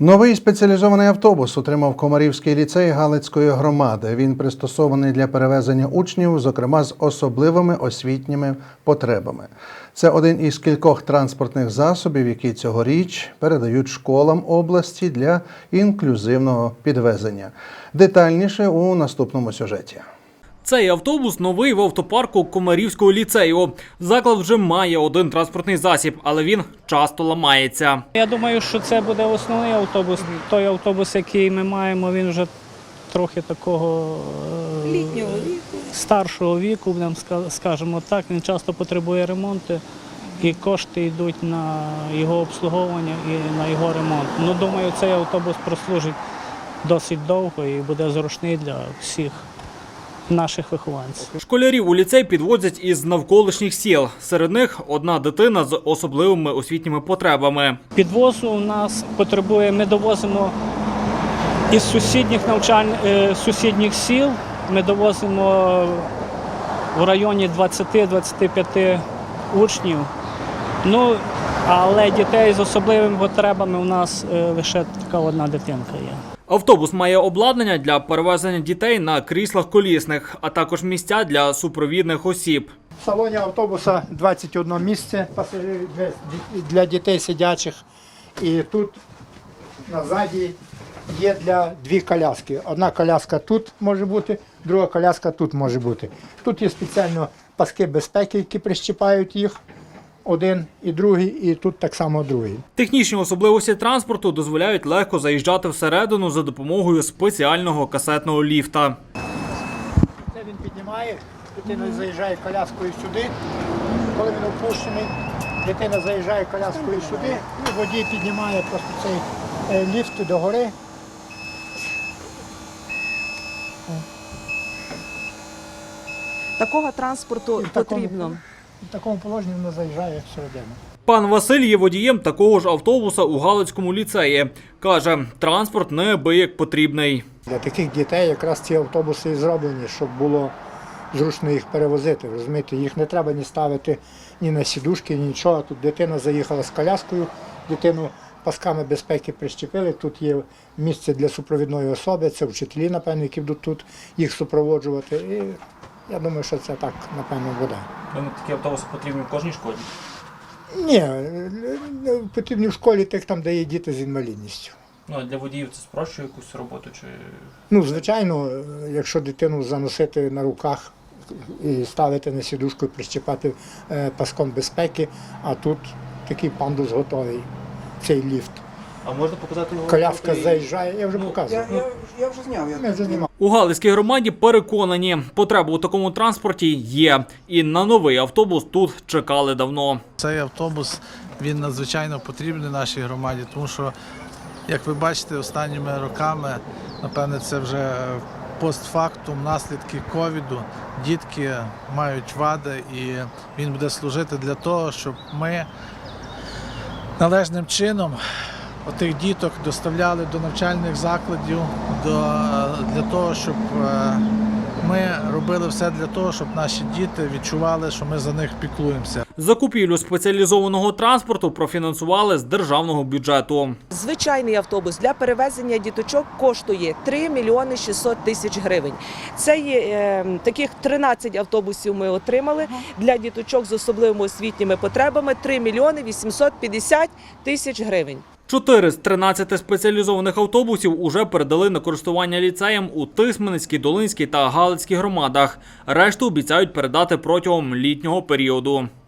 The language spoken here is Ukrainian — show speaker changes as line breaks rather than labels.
Новий спеціалізований автобус отримав Комарівський ліцей Галицької громади. Він пристосований для перевезення учнів, зокрема з особливими освітніми потребами. Це один із кількох транспортних засобів, які цьогоріч передають школам області для інклюзивного підвезення. Детальніше у наступному сюжеті.
Цей автобус новий в автопарку Комарівського ліцею. Заклад вже має один транспортний засіб, але він часто ламається.
Я думаю, що це буде основний автобус. Той автобус, який ми маємо, він вже трохи такого
Літнього віку.
старшого віку, скажімо так. Він часто потребує ремонту, і кошти йдуть на його обслуговування і на його ремонт. Ну, думаю, цей автобус прослужить досить довго і буде зручний для всіх наших вихованців.
Школярів у ліцей підвозять із навколишніх сіл. Серед них одна дитина з особливими освітніми потребами.
Підвозу у нас потребує, ми довозимо із сусідніх сіл, ми довозимо в районі 20-25 учнів. Ну, але дітей з особливими потребами у нас лише така одна дитинка є.
Автобус має обладнання для перевезення дітей на кріслах колісних, а також місця для супровідних осіб.
В салоні автобуса 21 місце пасажирів для дітей сидячих. І тут назаді є для дві коляски. Одна коляска тут може бути, друга коляска тут може бути. Тут є спеціально паски безпеки, які прищіпають їх. Один і другий, і тут так само другий.
Технічні особливості транспорту дозволяють легко заїжджати всередину за допомогою спеціального касетного ліфта.
Це він піднімає, дитина заїжджає коляскою сюди. Коли він опущений, дитина заїжджає коляскою сюди, і водій піднімає просто цей ліфт догори.
Такого транспорту потрібно.
В такому положенні вона заїжджає всередину.
Пан Василь є водієм такого ж автобуса у Галицькому ліцеї. Каже, транспорт неабияк потрібний.
Для таких дітей якраз ці автобуси і зроблені, щоб було зручно їх перевозити. Розумієте, їх не треба ні ставити ні на сідушки, ні нічого. Тут дитина заїхала з коляскою, дитину пасками безпеки прищепили. Тут є місце для супровідної особи, це вчителі, напевно, які будуть тут їх супроводжувати. І я думаю, що це так, напевно, буде.
Такі автобуси потрібні в кожній школі?
Ні, потрібні в школі тих, там, де є діти з інвалідністю.
Ну, а для водіїв це спрощує якусь роботу? Чи...
Ну, звичайно, якщо дитину заносити на руках і ставити на сідушку і прищепати паском безпеки, а тут такий пандус готовий, цей ліфт.
А можна показати його?
Коляска заїжджає, я вже показував.
Я вже зняв.
Ми вже знімали.
У Галицькій громаді переконані, потреба у такому транспорті є. І на новий автобус тут чекали давно.
Цей автобус, він надзвичайно потрібний нашій громаді, тому що, як ви бачите, останніми роками, напевне, це вже постфактум, наслідки ковіду, дітки мають вади, і він буде служити для того, щоб ми належним чином отих діток доставляли до навчальних закладів, для того, щоб ми робили все для того, щоб наші діти відчували, що ми за них піклуємося.
Закупівлю спеціалізованого транспорту профінансували з державного бюджету.
Звичайний автобус для перевезення діточок коштує 3 мільйони 600 тисяч гривень. Це є таких 13 автобусів ми отримали для діточок з особливими освітніми потребами 3 мільйони 850 тисяч гривень.
4 з 13 спеціалізованих автобусів уже передали на користування ліцеям у Тисменецькій, Долинській та Галицькій громадах. Решту обіцяють передати протягом літнього періоду.